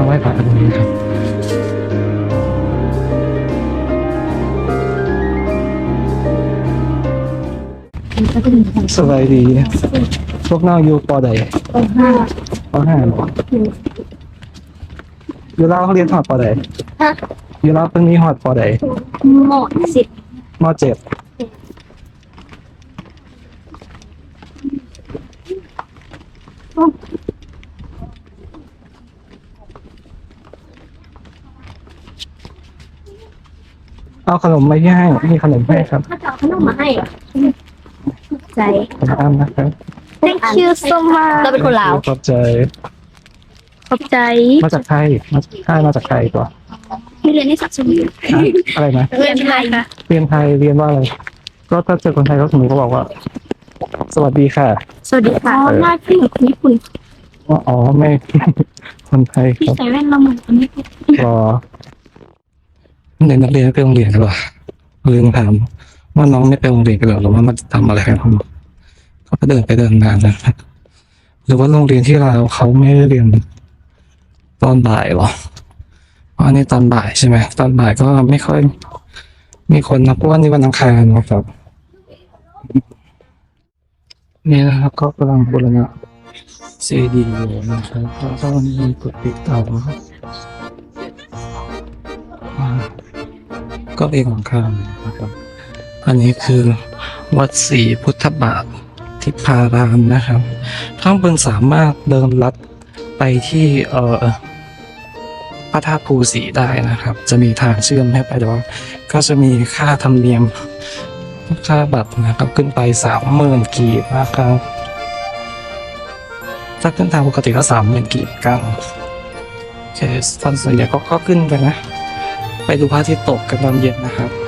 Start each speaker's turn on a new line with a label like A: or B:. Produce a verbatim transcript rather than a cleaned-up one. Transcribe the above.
A: ไหว้พระตรงนี้ครับสบายดีพวกน้องอยู่ปอใด
B: ปห้า
A: ปอห้าหรออยู่ลาวเขาเรียนหอดปอใด
B: ฮะ
A: อยู่ลาวเพิ่งมีหอดปอใด
B: หมดสิบ
A: มอเจ็ดเอาขนมมาที่ให้มีขนมให้ครับ
B: ถ้าจะเอาขนมมาให้ใจ
A: ขอบคุณนะครับ
B: thank you so much เราเป็นคนลาว
A: ขอบใจ
B: ขอบใจ
A: มาจากไทยมาจากไทยมาจากไทยตัว
B: ที่เรียนที่สักสมุน
A: อะอะไรนะ
B: เรียนไทยค่ะ
A: เรียนไทยเรียนว่าอะไร ก็ถ้าเจอคนไทยก็สมมติก็บอกว่า สวัสดีค่ะ
B: สวัสดีค่ะหน้าที่ของคนญี่ปุ่น
A: ว่าอ๋อไม่ คนไทยค
B: ที่
A: รับ
B: ใส่แว่นเราเหมือนคนญี่ปุ่น
A: รอในนักเรียนไปโรงเรียนกันหรอลืมถามว่าน้องไม่ไปโรงเรียนกันหรอหรือว่ามันทำอะไรกันเขาก็เดินไปเดินมานะหรือว่าโรงเรียนที่เราเขาไม่ได้เรียนตอนบ่ายหรอเพราะอันนี้ตอนบ่ายใช่ไหมตอนบ่ายก็ไม่ค่อยมีคนนะเพราะว่านี่วันอังคารนะครับนี่นะครับก็กำลังบูรณะซีดีอยู่นะครับแล้วก็มีกดติดต่อก็เองของข้ามนะครับอันนี้คือวัดศรีพุทธบาททิพารามนะครับท่านบนสามารถเดินลัดไปที่เอ่อพระธาตุภูสีได้นะครับจะมีทางเชื่อมให้ไปแต่ว่าก็จะมีค่าธรรมเนียมค่าบัตรนะครับขึ้นไปสามหมื่นกีบนะครับถ้าขึ้นทางปกติก็สามหมื่นกีบกันโอเคตอนส่วนใหญ่ก็ก็ขึ้นไปนะไปดูพระอาทิตย์ตกกันตอนเย็นนะครับ